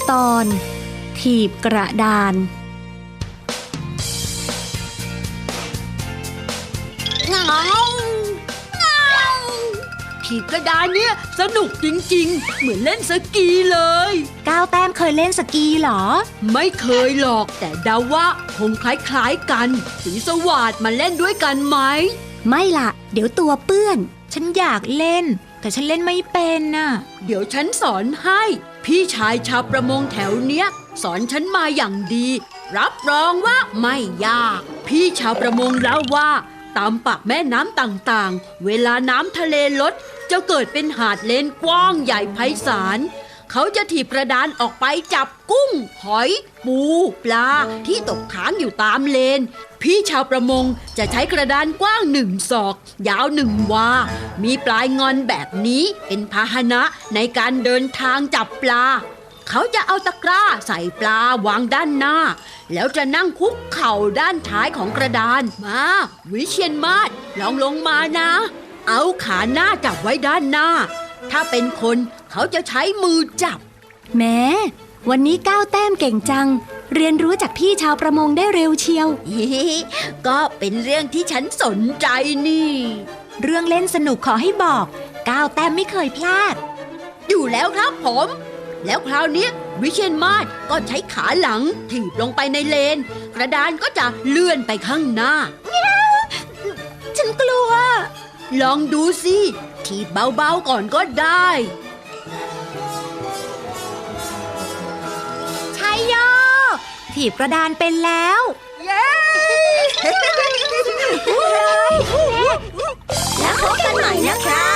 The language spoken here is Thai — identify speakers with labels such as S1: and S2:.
S1: ตอนถีบกระดาน
S2: ถีบกระดานเนี่ยสนุกจริงๆเหมือนเล่นสกีเลย
S1: ก้าวแต้มเคยเล่นสกีเหรอ
S2: ไม่เคยหรอกแต่เดาว่าคงคล้ายๆกันสีสวัสดมาเล่นด้วยกันไหม
S1: ไม่ล่ะเดี๋ยวตัวเปื้อนฉันอยากเล่นแต่ฉันเล่นไม่เป็นน่ะ
S2: เดี๋ยวฉันสอนให้พี่ชายชาวประมงแถวเนี้ยสอนฉันมาอย่างดีรับรองว่าไม่ยากพี่ชาวประมงเล่าว่าตามปากแม่น้ำต่างๆเวลาน้ำทะเลลดจะเกิดเป็นหาดเลนกว้างใหญ่ไพศาลเขาจะถีบกระดานออกไปจับกุ้งหอยปูปลาที่ตกค้างอยู่ตามเลนพี่ชาวประมงจะใช้กระดานกว้าง1 ศอกยาว1 วามีปลายงอนแบบนี้เป็นพาหนะในการเดินทางจับปลาเขาจะเอาตะกร้าใส่ปลาวางด้านหน้าแล้วจะนั่งคุกเข่าด้านท้ายของกระดานมาวิเชียรมาศลองลงมานะเอาขาหน้าจับไว้ด้านหน้าถ้าเป็นคนเขาจะใช้มือจับ
S1: แม้วันนี้ก้าวแต้มเก่งจังเรียนรู้จากพี่ชาวประมงได้เร็วเชียว
S2: ก็เป็นเรื่องที่ฉันสนใจนี่
S1: เรื่องเล่นสนุกขอให้บอกก้าวแต้มไม่เคยพลาด
S2: อยู่แล้วครับผมแล้วคราวนี้วิเชียรมาศก็ใช้ขาหลังถีบลงไปในเลนกระดานก็จะเลื่อนไปข้างหน้า
S1: ฉันกลัว
S2: ลองดูสิถีบเบาๆก่อนก็ได้
S1: ชัยโยถีบกระดานเป็นแล้ว
S2: เย้
S1: แล้วพบกันใหม่นะคะ